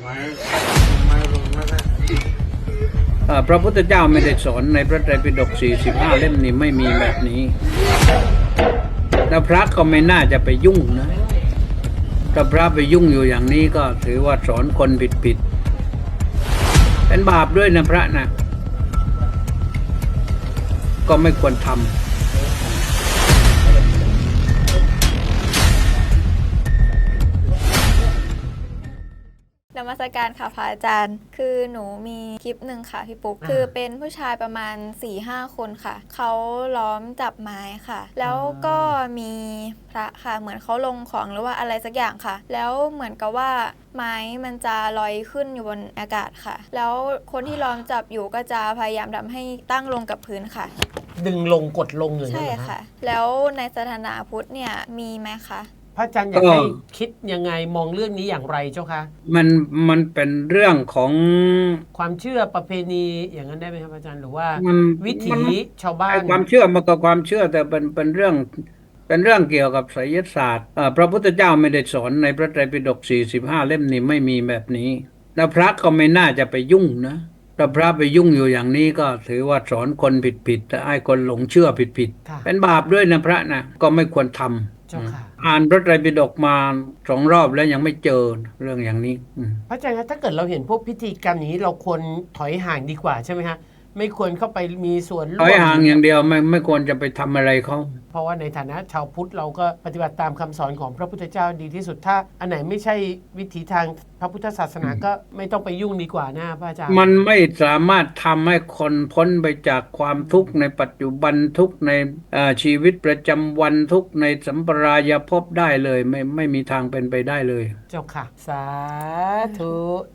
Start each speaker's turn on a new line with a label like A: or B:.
A: ไม่รู้นะ
B: พระพุทธเจ้าไม่ได้สอนในพระไตรปิฎก45 เล่มนี้ไม่มีแบบนี้แล้วพระก็ไม่น่าจะไปยุ่งนะถ้าพระไปยุ่งอยู่อย่างนี้ก็ถือว่าสอนคนผิดเป็นบาปด้วยนะพระนะก็ไม่ควรทำ
C: นมัสการค่ะพระอาจารย์คือหนูมีคลิปหนึ่งค่ะพี่ปุ๊กคือเป็นผู้ชายประมาณ 4-5 คนค่ะเขาล้อมจับไม้ค่ะแล้วก็มีพระค่ะเหมือนเขาลงของหรือว่าอะไรสักอย่างค่ะแล้วเหมือนกับว่าไม้มันจะลอยขึ้นอยู่บนอากาศค่ะแล้วคนที่ล้อมจับอยู่ก็จะพยายามทำให้ตั้งลงกับพื้นค่ะ
D: ดึงลงกดลงอย่างนี้
C: ใช่
D: เหรอ
C: ค่ะแล้วในศาสนาพุทธเนี่ยมีไหมคะ
D: พระอาจารย์อยากให้คิดยังไงมองเรื่องนี้อย่างไรเจ้าคะ
B: มันเป็นเรื่องของ
D: ความเชื่อประเพณีอย่างนั้นได้ไหมครับอาจารย์หรือว่าวิถีชาวบ้าน
B: ความเชื่อมันก็ความเชื่อแต่เป็นเรื่องเกี่ยวกับไสยศาสตร์พระพุทธเจ้าไม่ได้สอนในพระไตรปิฎก45 เล่มนี้ไม่มีแบบนี้แล้วพระก็ไม่น่าจะไปยุ่งนะถ้าพระไปยุ่งอยู่อย่างนี้ก็ถือว่าสอนคนผิดแต่ให้คนหลงเชื่อผิดเป็นบาปด้วยนะพระนะก็ไม่ควรทำอ่านพระไตรปิฎกมา2 รอบแล้วยังไม่เจอเรื่องอย่างนี้
D: พระอาจารย์ถ้าเกิดเราเห็นพวกพิธีกรรมอย่างนี้เราควรถอยห่างดีกว่าใช่ไหมฮะไม่ควรเข้าไปมีส่วนร่วม
B: ถอยห่างอย่างเดียวไม่ควรจะไปทำอะไรเขา
D: เพราะว่าในฐานะชาวพุทธเราก็ปฏิบัติตามคำสอนของพระพุทธเจ้าดีที่สุดถ้าอันไหนไม่ใช่วิถีทางพระพุทธศาสนาก็ไม่ต้องไปยุ่งดีกว่านะพระอาจารย์
B: มันไม่สามารถทำให้คนพ้นไปจากความทุกข์ในปัจจุบันทุกข์ในชีวิตประจำวันทุกข์ในสัมปรายภพได้เลยไม่มีทางเป็นไปได้เลย
D: เจ้าค่ะสาธุ